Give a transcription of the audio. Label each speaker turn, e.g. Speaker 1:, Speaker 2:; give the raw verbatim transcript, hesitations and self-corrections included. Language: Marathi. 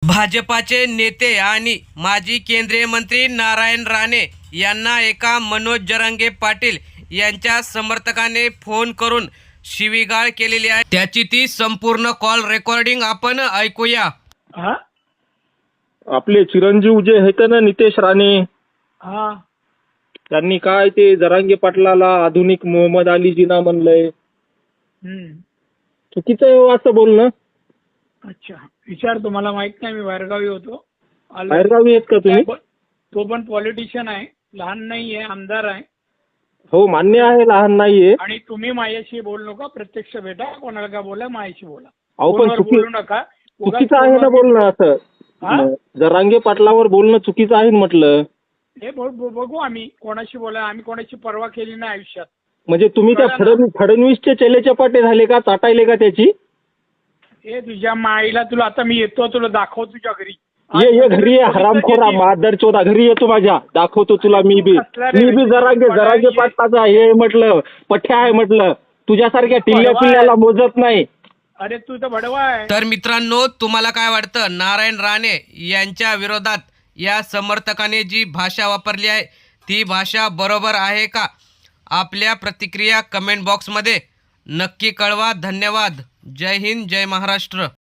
Speaker 1: भाजपाचे नेते आणि माजी केंद्रीय मंत्री नारायण राणे यांना एका मनोज जरांगे पाटील यांच्या समर्थकाने फोन करून शिवीगाळ केलेली आहे। त्याची ती संपूर्ण कॉल रेकॉर्डिंग आपण ऐकूया।
Speaker 2: हा
Speaker 3: आपले चिरंजीव जे आहेत ना नितेश राणे,
Speaker 2: हा
Speaker 3: त्यांनी काय ते जरांगे पाटलाला आधुनिक मोहम्मद अलीजीना म्हणलंय।
Speaker 2: हम्म
Speaker 3: चुकीचं आहे हो असं बोलणं।
Speaker 2: अच्छा विचार तुम्हाला माहित नाही, मी बाहेरगावी होतो आलो.
Speaker 3: बाहेरगावी आहेत का तुम्ही?
Speaker 2: तो पण पॉलिटिशियन आहे, लहान नाही आहे, आमदार आहे.
Speaker 3: हो मान्य आहे, लहान नाहीये।
Speaker 2: आणि तुम्ही माझ्याशी बोलू नका, प्रत्यक्ष भेटा, कोणाला का बोला, माझ्याशी बोला,
Speaker 3: अहो पण
Speaker 2: फोनवर
Speaker 3: चुकी
Speaker 2: बोलू नका।
Speaker 3: चुकीचं आहे ना बोलणं असं।
Speaker 2: हा?
Speaker 3: जरांगे पाटलावर बोलणं चुकीचं आहे ना म्हटलं।
Speaker 2: हे ब- ब- बघू आम्ही कोणाशी बोला, आम्ही कोणाची पर्वा केली नाही आयुष्यात।
Speaker 3: म्हणजे तुम्ही त्या
Speaker 2: कळलं ना?
Speaker 3: फडणवीस फडणवीसचे चेलेचपाटे झाले का? चाटायले का त्याची?
Speaker 2: हे तुझ्या माईला, तुला आता मी येतो, तुला दाखव तुझ्या घरी।
Speaker 3: ये ये घरी ये हरामखोरा मादर चोदा, घरी येतो माझ्या, दाखवतो तुला मी बी मी बी जरांगे जरांगे पाटलाचा हे म्हटलं पठ्या आहे म्हटलं, तुझ्यासारख्या टिल्ल्या पिल्ल्याला मोजत नाही।
Speaker 2: अरे तू तर भडवा आहे।
Speaker 1: तर मित्रांनो, तुम्हाला काय वाटतं, नारायण राणे यांच्या विरोधात या समर्थकाने जी भाषा वापरली आहे ती भाषा बरोबर आहे का? आपल्या प्रतिक्रिया कमेंट बॉक्समध्ये नक्की कळवा। धन्यवाद। जय हिंद, जय महाराष्ट्र।